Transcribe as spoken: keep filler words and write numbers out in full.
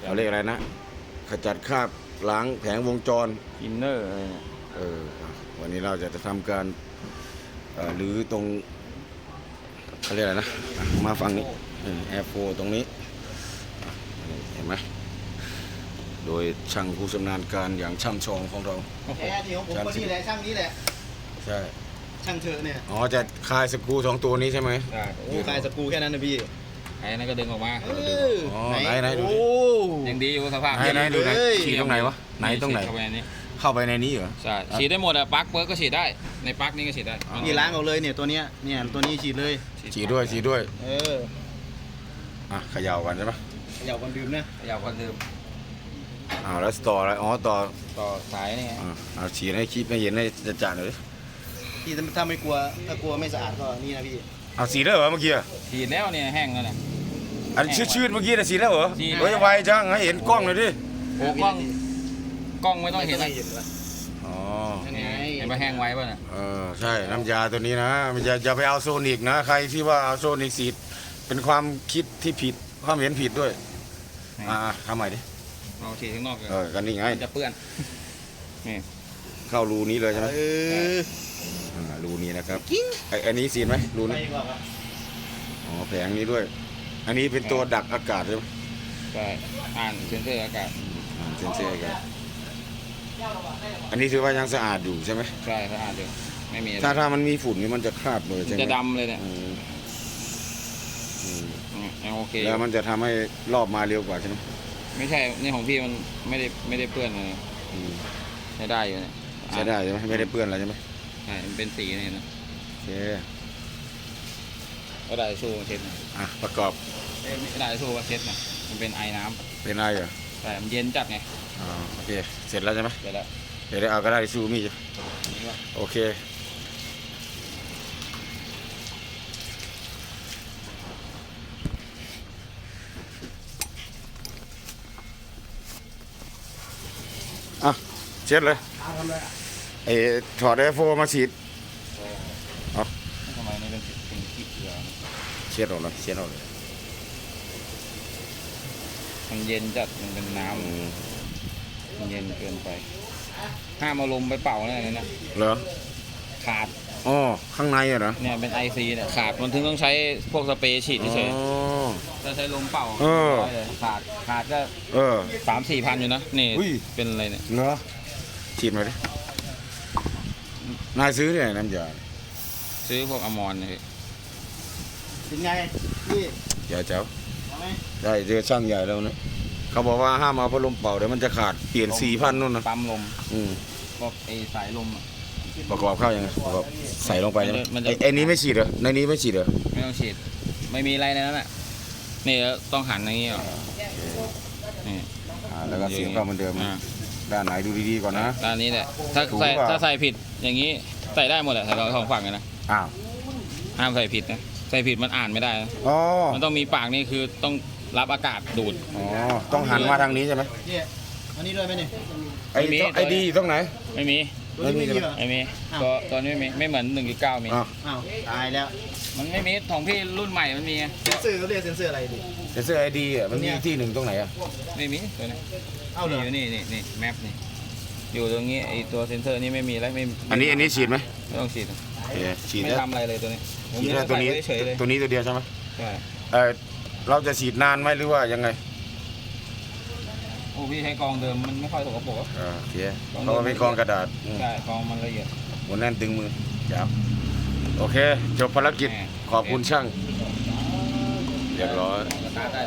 เขาเรียกอะไรนะขจัดคราบล้างแผงวงจรอินเนอร์อะไรเนี่ยเออวันนี้เราจะทำการหรือตรงเขาเรียกอะไรนะมาฝั่งนี้แอร์โฟตรงนี้เห็นไหมโดยช่างผู้ชำนาญการอย่างช่ำชองของเราแอร์ที่ของผมคนนี้แหละช่างนี้แหละใช่ช่างเธอเนี่ยอ๋อจะคลายสกรูสองตัวนี้ใช่ไหมใช่โอ้คลายสกรูแค่นั้นนะพี่ไอ้นั่นก็ดึงออกมาเอออ๋อไหนไหนดูโอ้ดิยังดีอยู่สภาพไหนไหนดูไหนฉีดตรงไหนวะไหนตรงไหนเข้าไปในนี้เข้าไปในนี้เหรอใช่ฉีดได้หมดอะปลั๊กเปิร์กก็ฉีดได้ในปลั๊กนี้ก็ฉีดได้นี่ล้างเอาเลยเนี่ยตัวเนี้ยเนี่ยตัวนี้ฉีดเลยฉีดด้วยฉีดด้วยเอออ่ะเขย่ากันใช่ไหมเขย่ากันดื่มนะอยากคนดื่มอ้าวแล้วต่ออะไรอ๋อต่อต่อสายนี่ไงอ่าเอาฉีดให้คลิปให้เห็นให้จะจ่าเลยพี่ถ้าไม่กลัวถ้ากลัวไม่สะอาดก็นี่นะพี่เอาฉีดได้เหรอเมื่อกี้อะฉีดแล้วเนี่ยแห้งแล้วเนี่ยอันชืดๆเมื่อกี้น่ะฉีดแล้วเหรอฉีดเฮ้ยไวจังให้เห็นกล้องเลยดิโอ้กล้องกล้องไม่ต้องเห็นนะอ๋อยังไงเห็นว่าแห้งไว้ป่ะเนี่ยเออใช่น้ำยาตัวนี้นะมันจะอย่าไปเอาโซนิกนะใครที่ว่าเอาโซนิกฉีดเป็นความคิดที่ผิดความเห็นผิดด้วยอ่าทำใหม่ดิเอาฉีดข้างนอกเลยเออกันนี่ไงมันจะเปื้อนนี่เข้ารูนี้เลยใช่ไหมเอออ่ารูนี้นะครับไออันนี้ฉีดไหมรูไปนี้ดีกว่าครับอ๋อแผงนี้ด้วย อันนี้เป็นตัวดักอากาศใช่ไหมใช่อ่านเซนเซอร์อากาศอ่าเซนเซอร์กันอันนี้ถือว่ายังสะอาดอยู่ใช่ไหมใช่ถ้าอ่านดูไม่มีอะไรถ้าถ้ามันมีฝุ่นนี่มันจะคราบเลยมันใช่ไหมจะดำเลยเนี่ยอืมอืมอืมยังโอเคแล้วมันจะทำให้รอบมาเร็วกว่าใช่ไหมไม่ใช่นี่ของพี่มันไม่ได้ไม่ได้เปื้อนเลยอืมใช้ได้อยู่เนี่ยใช้ได้ใช่ไหมไม่ได้เปื้อนอะไรใช่ไหมใช่มันเป็นสีนี่นะโอเคก็ได้สู้มาเช็ดนะอ่ะประกอบเอ้ยไม่ได้สู้มาเช็ดนะมันเป็นไอน้เป็นอะไรเหรอำแต่มันเย็นจัดไงอ่าโอเคเสร็จแล้วใช่ไหมเดี๋ยวแล้วเดี๋ยวได้เอากระดาษทิชชู่มีดนี่ว่าโอเคอ่ะเช็ดเลยไอ้ถอดไอโฟมาฉีดทำไมนี่เป็นเป็นขี้เกลือเช็ดออกเลยเช็ดออกเลยมันเย็นจัดมันเป็นน้อืมำมันเย็นเกินไปห้ามเอาลมไปเป่าเนี่ยนะเหรอขาดอ๋อข้างในอะเหรอเนี่ยเป็นไอซีเนี่ยขาดมันถึงต้องใช้พวกสเปรย์ฉีดเฉยอ๋อๆถ้าใช้ลมเป่าเออร้อยเลยขาดขาดก็เออสามสี่พันอยู่นะนี่อุ้ยเป็นอะไรเนี่ยเหรอฉีดมาดินายซื้อที่ไหนน้ำยาซื้อพวกอมรเนี่ยเป็นไงพี่อย่าเจ้าเอาไหมได้เจอช่างใหญ่แล้วนะเขาบอกว่าห้ามเอาพัดลมเป่าเดี๋ยวมันจะขาดเปลี่ยนสี่พันนู่นนะปั๊มลมอืมพวกไอสายลมอะประกอบเข้ายังไงประกอบใส่ลงไปใช่ไหมมันจะไอ้ไอ้นี้ไม่ฉีดเหรอในนี้ไม่ฉีดเหรอไม่ต้องฉีดไม่มีอะไรในนั้นอ่ะนี่ต้องหันอย่างนี้เหรอนี่อ่าแล้วก็เสียบเข้าเหมือนเดิมอ่าด้านไหนดูดีๆก่อนนะด้านนี้แหละถ้าถูกใส่หรือเปล่าถ้าใส่ผิดอย่างนี้ใส่ได้หมดแหละใส่เราสองฝั่งเลยนะอ้าวห้ามใส่ผิดนะใส่ผิดมันอ่านไม่ได้นะอ๋อมันต้องมีปากนี่คือต้องรับอากาศดูดอ๋อต้องหันมาทางนี้ใช่ไหมพี่อันนี้ด้วยไหมเนี่ยไอ้ไม่มีไอ้ดีอยู่ตรงไหนไม่มีตัวนี้ไม่มีเหรอไม่มีอ้าวตัวตัวนี้ไม่มีไม่เหมือนหนึ่งจุดเก้ามีอ้าวอ้าวตายแล้วมันไม่มีของพี่รุ่นใหม่มันมีไงเซนเซอร์เขาเรียกเซนเซอร์อะไรดิเซนเซอร์ไอดีอ่ะมันมีที่หนึ่งตรงไหนอ่ะไม่มีตัวนี้เอ้าเหรออยู่นี่นี่นี่แมปนี่อยู่ตรงนี้ไอตัวเซนเซอร์นี่ไม่มีแล้วไม่อันนี้อันนี้ฉีดไหมไม่ต้องฉีดนะโอเคฉีดไม่แล้วทำอะไรเลยตัวนี้ผมฉีดแล้วตัวนี้ใส่ไเฉยๆเลยตัวนี้ตัวเดียวใช่ไหมใช่เออเราจะฉีดนานไหมหรือว่ายังไงโอ้พี่ใช้กองเดิมมันไม่ค่อยสกปรกอะอ่าโอเคเพราะว่าเป็นกองกระดาษอืมใช่กองมันละเอียดหมดแน่นตึงมือจับโอเค จบภารกิจแน่ขอบคุณช่าง เรียบร้อยสตาร์ทได้